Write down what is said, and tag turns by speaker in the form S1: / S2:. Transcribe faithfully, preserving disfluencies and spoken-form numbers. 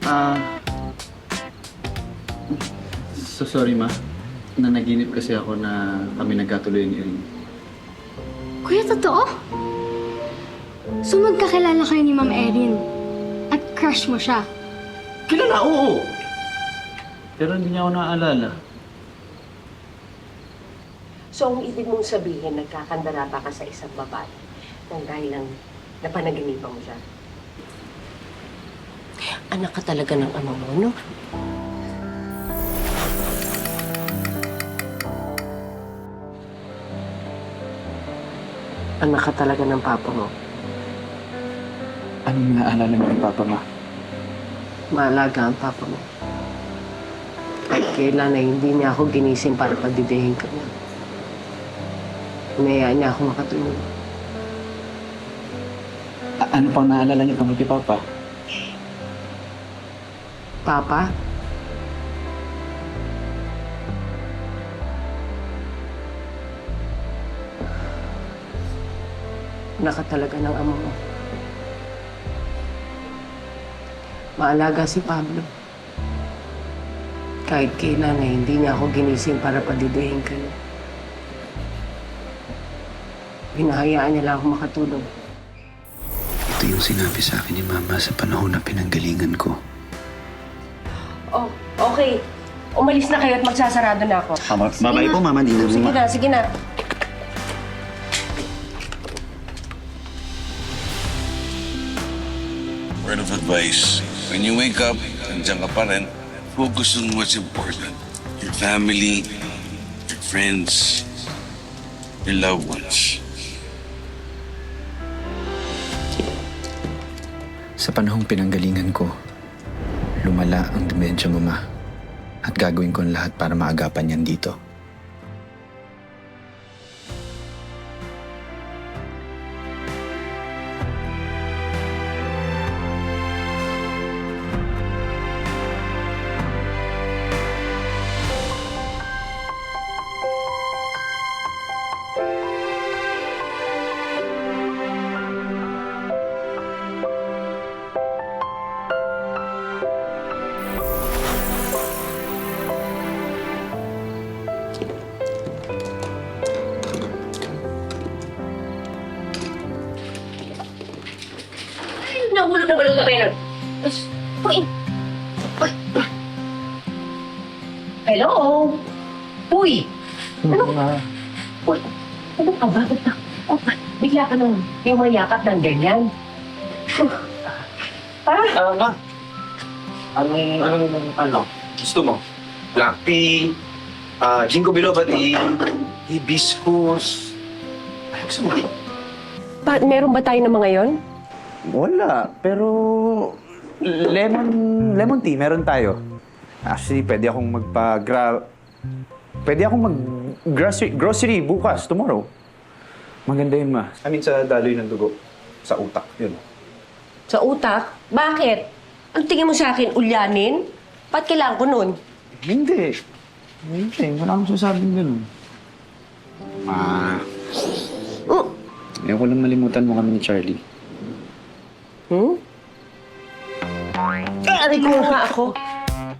S1: Ah... so sorry, ma. Nanaginip kasi ako na kami nagkatuloy ni Erin.
S2: Kuya, totoo? So magkakilala kayo ni Ma'am Erin at crush mo siya?
S1: Kilala, oo! Pero hindi niya ako naaalala.
S3: So, ang ibig mong sabihin, nagkakandara pa ka sa isang babae nang dahil lang napanaginipan mo siya? Anak ka talaga ng ama mo, no? Anak ka talaga ng papa mo.
S1: Anong naaalala mo ng papa, ma?
S3: Maalaga ang papa mo. Kahit kailan na hindi niya ako ginising para pagdidihin ka niya. Hinayaan niya ako makatulog.
S1: A- ano pang naalala niyo tungkol kay papa?
S3: Papa? Anak ka talaga ng ama mo. Maalaga si Pablo. Kahit kailan na hindi niya ako ginising para padidihin ka niya. Hinahayaan niya lang ako makatulog.
S4: Ito yung sinabi sa akin ni Mama sa panahon na pinanggalingan ko.
S3: Oh, okay. Umalis na kayo at magsasarado na ako.
S4: Mama, babae po, Mama. Di na
S3: Sige na, sige na.
S5: Word of advice, when you wake up, nandiyan ka pa rin, focus on what's important. Your family, your friends, your loved ones.
S4: Sa panahong pinanggalingan ko, lumala ang demensya mo, Ma. At gagawin ko ang lahat para maagapan yan dito.
S3: Nahulog na balong ka kayo. Uy! Uy! Hello? Uy! Ano? Uy! Ano ka ba? Ba't na? Oh, bigla ka nang yung mayakap ng ganyan. Ha?
S6: Ah, ma. Anong, anong, ano? Gusto mo? Black tea, ah, ginkgo biloba tea, hibiscus. Ay, gusto mo?
S3: Pa, meron ba tayo ng mga yon?
S6: Wala, pero lemon, lemon tea meron tayo. Actually, pwede akong magpa-gra... Pwede akong mag-grocery grocery bukas, tomorrow. Maganda yun, ma. I mean, sa daloy ng dugo. Sa utak, yun.
S3: Sa utak? Bakit? Ang tingin mo sa akin, ulyanin? Ba't kailangan ko nun?
S6: Hindi. Hindi, wala akong sasabing ganun. Ma,
S3: Mm.
S6: ayaw ko lang malimutan mo kami ni Charlie.
S3: Hmm? Aray ko nga ako.